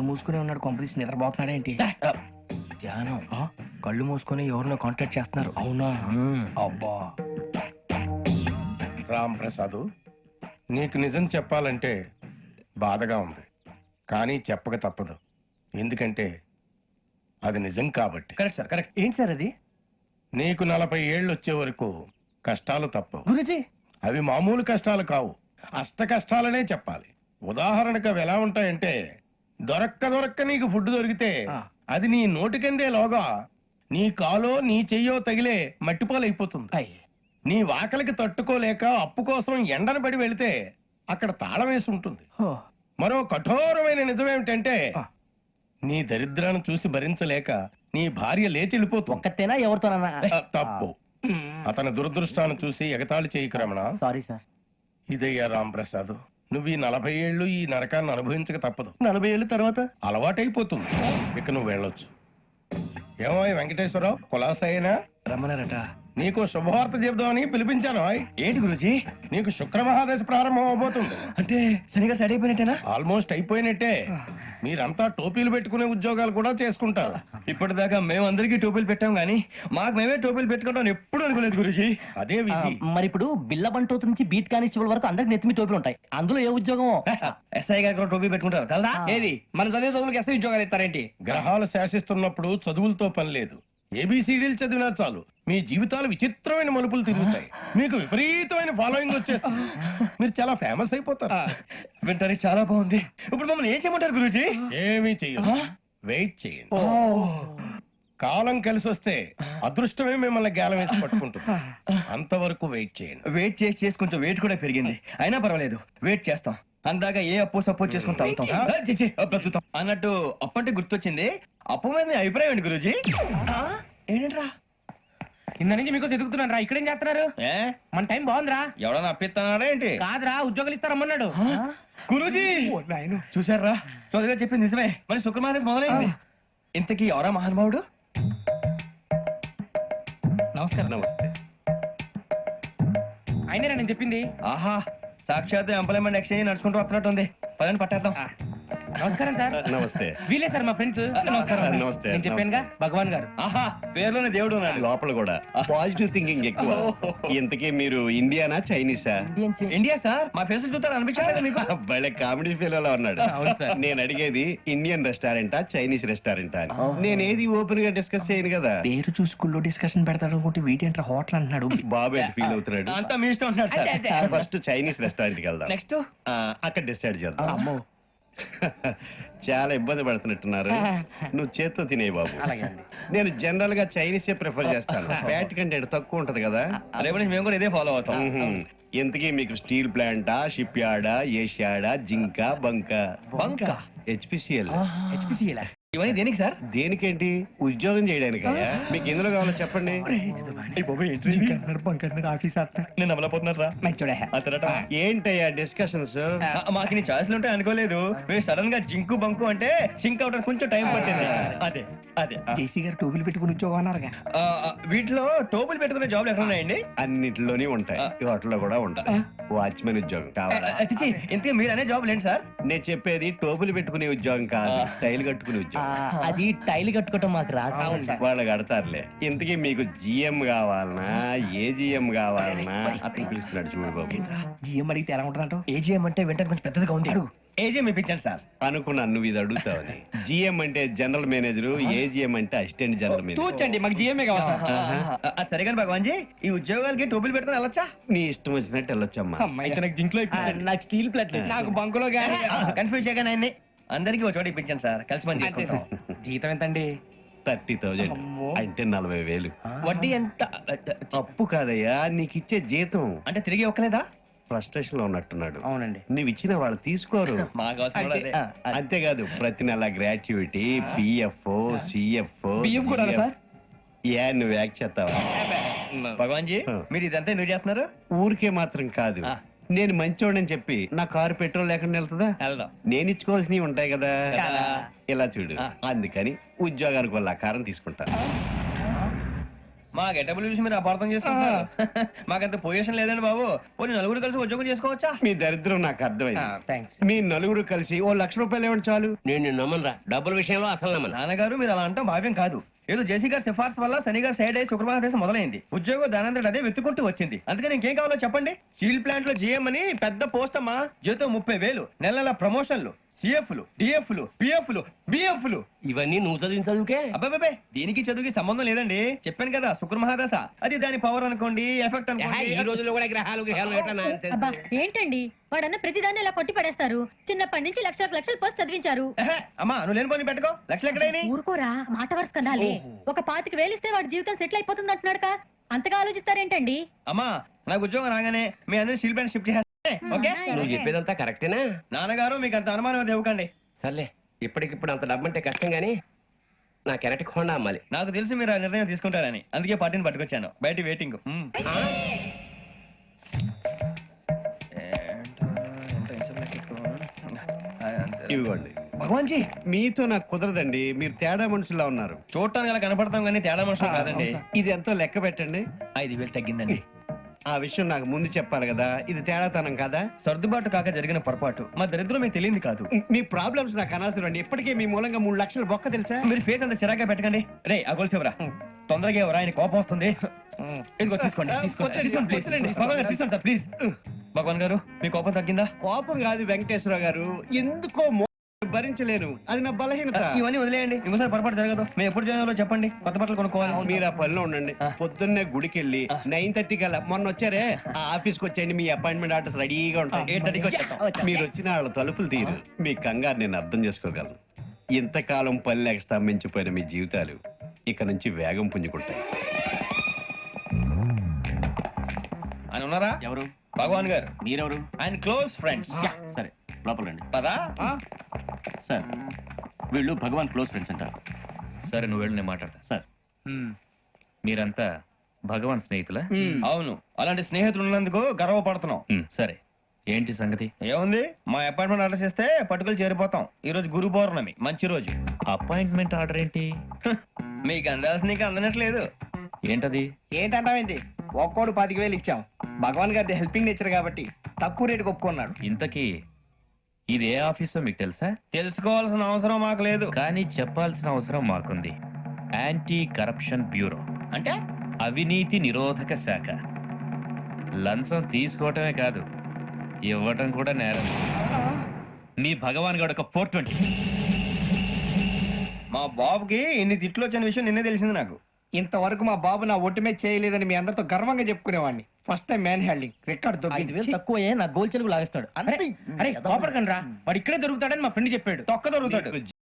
మూసుకునే ఉన్నాడు, కొంపదీసి నిద్రపోతున్నాడు ఏంటి? ధ్యానం. కళ్ళు మూసుకొని ఎవరినో కాంటాక్ట్ చేస్తున్నారు. అవునా? అబ్బా. రామ్ ప్రసాద్, నీకు నిజం చెప్పాలంటే బాధగా ఉంది, కానీ చెప్పక తప్పదు. ఎందుకంటే అది నిజం కాబట్టి. Correct sir, correct. ఏంటి సార్ అది? నీకు 40 ఏళ్ళు వచ్చే వరకు కష్టాలు తప్పవు. గురుజీ, అవి మామూలు కష్టాలు కావు, అష్ట కష్టాలనే చెప్పాలి. ఉదాహరణకు అవి ఎలా ఉంటాయంటే, దొరక్క నీకు ఫుడ్ దొరికితే అది నీ నోటికందే లోగా నీ కాలో నీ చెయ్యో తగిలే మట్టిపాలైపోతుంది. నీ వాకలికి తట్టుకోలేక అప్పు కోసం ఎండను పడి వెళితే అక్కడ తాళం వేసి ఉంటుంది. మరో కఠోరమైన నిజమేమిటంటే, నీ దరిద్రాన్ని చూసి భరించలేక నీ భార్య లేచి వెళ్ళిపోతుంది. ఒక్కతేనా ఎవరితోనన్నా? తప్పు. అతని దురదృష్టాన్ని చూసి ఎగతాళి చేయకు రమణ. Sorry sir. ఇదయ్యా రాంప్రసాద్, నువ్వు ఈ 40 ఏళ్ళు ఈ నరకాన్ని అనుభవించక తప్పదు. 40 ఏళ్ళ తర్వాత అలవాటైపోతుంది. ఇక నువ్వు వెళ్ళొచ్చు. ఏమో వెంకటేశ్వరరావు, కులాసైనా రమ్మన్నారట. నీకు శుభవార్త చెబుదామని పిలిపించాను. ఏంటి గురుజీ? నీకు శుక్రమహాదశ ప్రారంభం అవబోతుంది. అంటే శనిగా సెట్ అయిపోయినట్టేనా? ఆల్మోస్ట్ అయిపోయినట్టే. మీరంతా టోపీలు పెట్టుకునే ఉద్యోగాలు కూడా చేసుకుంటారు. ఇప్పటిదాకా మేమందరికీ టోపీలు పెట్టాం గానీ మాకు మేమే టోపీలు పెట్టుకుంటాం ఎప్పుడు అనుకోలేదు గురుజీ. అదే విధి. మరి ఇప్పుడు బిల్ల బంటోతు నుంచి బీట్ కానిస్టేబుల్ వరకు అందరికి నెత్తిమి టోపీలు ఉంటాయి. అందులో ఏ ఉద్యోగం? ఎస్ఐ గారు కూడా టోపీ పెట్టుకుంటారు కదా? ఏది మన చదివే చదువులకు ఎస్ఐ ఉద్యోగాలు ఇస్తారేంటి? గ్రహాలు శాసిస్తున్నప్పుడు చదువులతో పని లేదు. ఏబిసిడీలు చదివినా చాలు మీ జీవితాలు విచిత్రమైన మలుపులు తిరుగుతాయి. మీకు విపరీతమైన ఫాలోయింగ్ వచ్చేస్తుంది. మీరు చాలా ఫేమస్ అయిపోతారు. వింటానికి చాలా బాగుంది. ఇప్పుడు మమ్మల్ని ఏం చేయమంటారు గురుజీ? ఏమీ చెయ్యదు, వెయిట్ చేయండి. కాలం కలిసి వస్తే అదృష్టమే మిమ్మల్ని గేలం వేసి పట్టుకుంటుంది. అంతవరకు వెయిట్ చేయండి. వెయిట్ చేసి కొంచెం వెయిట్ కూడా పెరిగింది. అయినా పర్వాలేదు, వెయిట్ చేస్తాం. అందాక ఏ అప్పు సపోర్ట్ చేసుకుని తాగుతాం. బ్రతుకుతాం అన్నట్టు అప్పు అంటే గుర్తొచ్చింది. అప్పు మీద మీ అభిప్రాయం ఏంటి గురుజీ? ఏంటరా కింద నుంచి మీకు ఎదుగుతున్నాను రా. ఇక్కడేం చేస్తున్నారు? మన టైం బాగుందిరా. ఎవడన్నా అప్పిస్తున్నాడా ఏంటి? కాదురా, ఉద్యోగాలు ఇస్తారమ్మన్నాడు. గురూజీ చూసారా, చౌదరిగా చెప్పింది నిజమే. మరి శుక్రమాదేశ్ మొదలైంది. ఇంతకీ ఎవరా మహానుభావుడు? నమస్కారం. నమస్తే. అయినరా నేను చెప్పింది? ఆహా, సాక్షాత్ ఎంప్లాయ్మెంట్ ఎక్స్చేంజ్ నడుచుకుంటూ వస్తున్నట్టు ఉంది. పదండి పట్టేద్దాం. నమస్కారం సార్. నమస్తే. వీలే సార్ మా ఫ్రెండ్స్. నమస్కారం. నమస్తే. నేను చెప్పానుగా, భగవాన్ గారు. ఆహా, పేర్లోనే దేవుడు ఉన్నాడు. లోపల కూడా పాజిటివ్ థింకింగ్ ఎక్కువ. ఇంతకీ మీరు ఇండియానా చైనీసా? India sir. మా ఫేస్ చూస్తారు అనిపించలేదు మీకు? భలే కామెడీ ఫీల్ అలా ఉన్నాడు. అవును సార్. నేను అడిగేది ఇండియన్ రెస్టారెంటా చైనీస్ రెస్టారెంటా అని. నేను ఏది ఓపెన్ గా డిస్కస్ చేయను కదా. పేరు చూసుకుల్లో డిస్కషన్ పెడతాడు అనుకుంటే వీటేంట్రా హోటల్ అంటున్నాడు. బాబు ఎట్ ఫీల్ అవుతున్నాడు. అంతా మీ ఇష్టం ఉంటున్నాడు సార్. ఫస్ట్ చైనీస్ రెస్టారెంట్ కి వెళ్దాం. నెక్స్ట్ అక్కడ డిసైడ్ చేద్దాం. అమ్మో. చాలా ఇబ్బంది పడుతున్నట్టున్నారు. నువ్వు చేత్తో తినే బాబు. నేను జనరల్ గా చైనీసే ప్రిఫర్ చేస్తాను. ఫ్యాట్ కంటెంట్ తక్కువ ఉంటది కదా. రేపు నుంచి మేము కూడా ఇదే ఫాలో అవుతాం. ఇంతకీ మీకు స్టీల్ ప్లాంటా, షిప్ యార్డా, ఏషియాడా, జింక, బంకా? బంకా? హెచ్పిసిఎల్. హెచ్పిసిఎల్ ఇవన్నీ దేనికి సార్? దేనికేంటి? ఉద్యోగం చేయడానికి. మీకు ఎందులో కావాలో చెప్పండి. నేను అమలపోతున్నారా? ఏంటయ్యా డిస్కషన్స్? మాకు నీ ఛాయిస్లు ఉంటాయి అనుకోలేదు. మీరు సడన్ గా జింకు బంకు అంటే సింక్ అవడానికి కొంచెం టైం పట్టింది. అదే అదే జేసీ గారు టోపీలు పెట్టుకుని ఉద్యోగం అన్నారుగా. వీటిలో టోపులు పెట్టుకునే జాబ్లు ఎక్కడ ఉన్నాయండి? అన్నిటిలోనే ఉంటాయి, వాటిలో కూడా ఉంటాయి. వాచ్మెన్ ఉద్యోగం కావాలా? ఇంతకీ మీరు అనే జాబ్ ఏంటి సార్? నేను చెప్పేది టోపులు పెట్టుకునే ఉద్యోగం కాదు, టైల్ కట్టుకునే ఉద్యోగం. అది టైల్ కట్టుకోవటం మాకు రాదు. వాళ్ళు కడతారులే. ఇంతకీ మీకు జిఎం కావాలనా, ఏజిఎం కావాలనా? అట్లా పిలుస్తున్నాడు చూడు బాబు. జిఎం అడిగితే ఎలా ఉంటుందంట? ఏజీఎం అంటే వెంటనే కొంచెం పెద్దదిగా ఉంది. ఏజీఎం ఇప్పించండి సార్. అనుకున్నాను నువ్వు ఇది అడుగుతావని. జిఎం అంటే జనరల్ మేనేజర్, ఏజిఎం అంటే అసిస్టెంట్ జనరల్ మేనేజర్. తూచండి, మాకు జిఎంఏ కావాలి సార్. అది సరే కానీ భగవాన్ జీ, ఈ ఉద్యోగాలకి టోపులు పెట్టుకుని వెళ్ళొచ్చా? నీ ఇష్టం వచ్చినట్టు వెళ్ళొచ్చమ్మా. అయితే నాకు జింక్లో నాకు స్టీల్ ప్లేట్ నాకు బంకులో గానీ. కన్ఫ్యూజ్ చేయగానే ఆయన్ని అందరికీ ఒక చోట ఇప్పించండి సార్. కలిసి పని చేసుకుంటాం. జీతం ఎంతండి? 30,000 అంటే 40,000. వడ్డీ ఎంత? అప్పు కాదయ్యా, నీకు ఇచ్చే జీతం. అంటే తిరిగి ఒక్కలేదా? ఫ్రస్ట్రేషన్ లో ఉన్నట్టున్నాడు. అవునండి. నువ్వు ఇచ్చిన వాళ్ళు తీసుకోరు. మాకు అవసరం కూడా అదే. అంతేకాదు ప్రతి నెల గ్రాట్యుటీ, పిఎఫ్, సిఎఫ్. బియ్యం కూడా సార్? ఏ నువ్వు యాక్ చేస్తావా? భగవాన్ జీ, మీరు ఇదంతా ఎందుకు చేస్తున్నారు? ఊరికే మాత్రం కాదు, నేను మంచోడని చెప్పి నా కారు పెట్రోల్ లేకుండా వెళ్తుందా? వెళ్దాం. నేను ఇచ్చుకోవాల్సినవి ఉంటాయి కదా. కదా. ఇలా చూడు, అందుకని ఉద్యోగానికి వాళ్ళ ఆకారం తీసుకుంటా. మా గెటబుల్ చూసి మీరు అపార్థం చేసుకుంటున్నారు. మాకంత పొజిషన్ లేదండి బాబు. పోనీ నలుగురు కలిసి ఉద్యోగం చేసుకోవచ్చా? మీ దరిద్రం నాకు అర్థమైంది. థ్యాంక్స్. మీ నలుగురు కలిసి ఓ ₹1,00,000 ఇవ్వండి చాలు. నేను నమ్మనరా డబ్బుల విషయంలో అసలు నమ్మను. నాన్నగారు మీరు అలా అంటాం భావ్యం కాదు. ఏదో జేసీ గారి సిఫార్సు వల్ల శని గారు సైడ్ అయ్యి శుక్రవారం దేశం మొదలైంది. ఉద్యోగం దానంతటి అదే వెతుకుంటూ వచ్చింది. అందుకని ఇంకేం కావాలో చెప్పండి. స్టీల్ ప్లాంట్ లో జీఎం అని పెద్ద పోస్ట్ అమ్మా. జీతం 30,000, నెల నెల ప్రమోషన్లు, సిఎఫ్లు, డిఎఫ్లు, పిఎఫ్లు, బిఎఫ్లు. ఇవన్నీ నువ్వు చదివిన చదువుకే. అబ్బాబే దీనికి చదువుకి సంబంధం లేదండి. చెప్పాను కదా శుక్ర మహాదశ. అది దాని పవర్ అనుకోండి, ఎఫెక్ట్ ఈ అనుకోండి. రోజుల్లో కూడా గ్రహాలు ఏటా nonsense. అబ్బా ఏంటండి వాడన్న ప్రతిదాన్ని ఇలా కొట్టి పడేస్తారు. చిన్నప్పటి నుంచి లక్షలకు లక్షలు పోస్ట్ చదివించారు. ఎహె, అమ్మా నువ్వు లేని పోనీ పెట్టుకో. లక్షలు ఎక్కడైనా ఊరుకోరా మాట వరుస కదాలే. ఒక 25,000 ఇస్తే వాడి జీవితం సెటిల్ అయిపోతుంది అంటున్నాడుగా. అంతగా ఆలోచిస్తారేంటండి? అమ్మా నాకు ఉద్యోగం రాగానే మీ అందరి స్టీల్ ప్లాంట్ షిఫ్ట్ చేస్తే ఓకే. నువ్వు చెప్పేదంతా కరెక్టేనా? నాన్నగారు మీకు అంత అనుమానం అది ఇవ్వకండి. సర్లే ఇప్పటికిప్పుడు అంత డబ్బు అంటే కష్టం గానీ నా కెనటిక్ హోండా అమ్మాలి. నాకు తెలుసు మీరు ఆ నిర్ణయం తీసుకుంటారని, అందుకే పార్టీని పట్టుకొచ్చాను. బయట వెయిటింగ్. ఇవ్వండి. భగవాన్ జీ మీతో నాకు కుదరదండి. మీరు తేడా మనుషులా ఉన్నారు. చూడటానికి అలా కనపడతాం కానీ తేడా మనుషులు కాదండి. ఇది ఎంతో లెక్క పెట్టండి. 5,000 తగ్గిందండి. ఆ విషయం నాకు ముందు చెప్పాలి కదా. ఇది తేడాతనం కదా. సర్దుబాటు కాక జరిగిన పొరపాటు. మా దరిద్రం మీకు తెలియదు కాదు. మీ ప్రాబ్లమ్స్ నాకు అనవసరం అండి. ఇప్పటికే మీ మూలంగా 3 లక్షల బొక్క తెలుసా. మీరు ఫేస్ అంత చిరాగ్గా పెట్టకండి. రే ఆ గొలుసేవరా తొందరగా ఎవరా, ఆయన కోపం వస్తుంది. ఇదిగో తీసుకోండి. తీసుకోండి ప్లీజ్. భగవాన్ గారు తీసుకోండి సార్ ప్లీజ్. భగవాన్ గారు మీ కోపం తగ్గిందా? కోపం కాదు వెంకటేశ్వర గారు, ఎందుకో భరించలేను. అది నా బలహీనత. ఇవన్నీ వదిలేయండి. ఇంకోసారి పొరపాటు జరగదు. మేము ఎప్పుడు జాయిన్ చెప్పండి. కొత్త బట్టలు కొనుక్కోవాలి. మీరు ఆ పనిలో ఉండండి. పొద్దున్నే గుడికి వెళ్ళి 9:30 కల్లా మొన్న వచ్చారే ఆ ఆఫీస్కి వచ్చేయండి. మీ అపాయింట్మెంట్ ఆర్డర్స్ రెడీగా ఉంటాయి. 8:30కి వచ్చేస్తాం. మీరు వచ్చిన వాళ్ళ తలుపులు తీరు. మీ కంగారు నేను అర్థం చేసుకోగలను. ఇంతకాలం పని లేక స్తంభించిపోయిన మీ జీవితాలు ఇక నుంచి వేగం పుంజుకుంటాయి. ఆయన ఉన్నారా? ఎవరు? భగవాన్ గారు. మీరెవరు? ఆయన క్లోజ్ ఫ్రెండ్స్. సరే లోపల రండి. పదా సార్ వీళ్ళు భగవాన్ క్లోజ్ ఫ్రెండ్స్ అంటారు. సరే నువ్వు వెళ్ళు, నేను మాట్లాడతా. సార్ మీరంతా భగవాన్ స్నేహితులా? అవును, అలాంటి స్నేహితులు ఉన్నందుకు గర్వపడుతున్నాం. సరే ఏంటి సంగతి? ఏముంది, మా అపాయింట్మెంట్ ఆర్డర్ చేస్తే పట్టుకులు చేరిపోతాం. ఈ రోజు గురు పౌర్ణమి, మంచి రోజు. అపాయింట్మెంట్ ఆర్డర్ ఏంటి? మీకు అందాల్సిన నీకు అందనట్లేదు. ఏంటది? ఏంటంటావేంటి? ఒక్కోడు 25,000 ఇచ్చాం. భగవాన్ గారి హెల్పింగ్ నేచర్ కాబట్టి తక్కువ రేటుకి ఒప్పుకున్నాడు. ఇంతకీ ఇది ఏ ఆఫీసో మీకు తెలుసా? తెలుసుకోవాల్సిన అవసరం మాకు లేదు. కానీ చెప్పాల్సిన అవసరం మాకుంది. యాంటీ కరప్షన్ బ్యూరో అంటే అవినీతి నిరోధక శాఖ. లంచం తీసుకోవటమే కాదు, ఇవ్వటం కూడా నేరం. మీ భగవాన్ గారు ఒక 420. మా బాబుకి ఇన్ని తిట్లు వచ్చిన విషయం నిన్నే తెలిసింది నాకు. ఇంతవరకు మా బాబు నా ఒట్టుమే చేయలేదని మీ అందరితో గర్వంగా చెప్పుకునేవాడిని. First time man handing record 5,000 తక్కువ నా గోల్ చెలుగు లాగేస్తాడు. అరే కోపడకండి రా, వాడు ఇక్కడే దొరుకుతాడని మా ఫ్రెండ్ చెప్పాడు. తొక్క దొరుకుతాడు.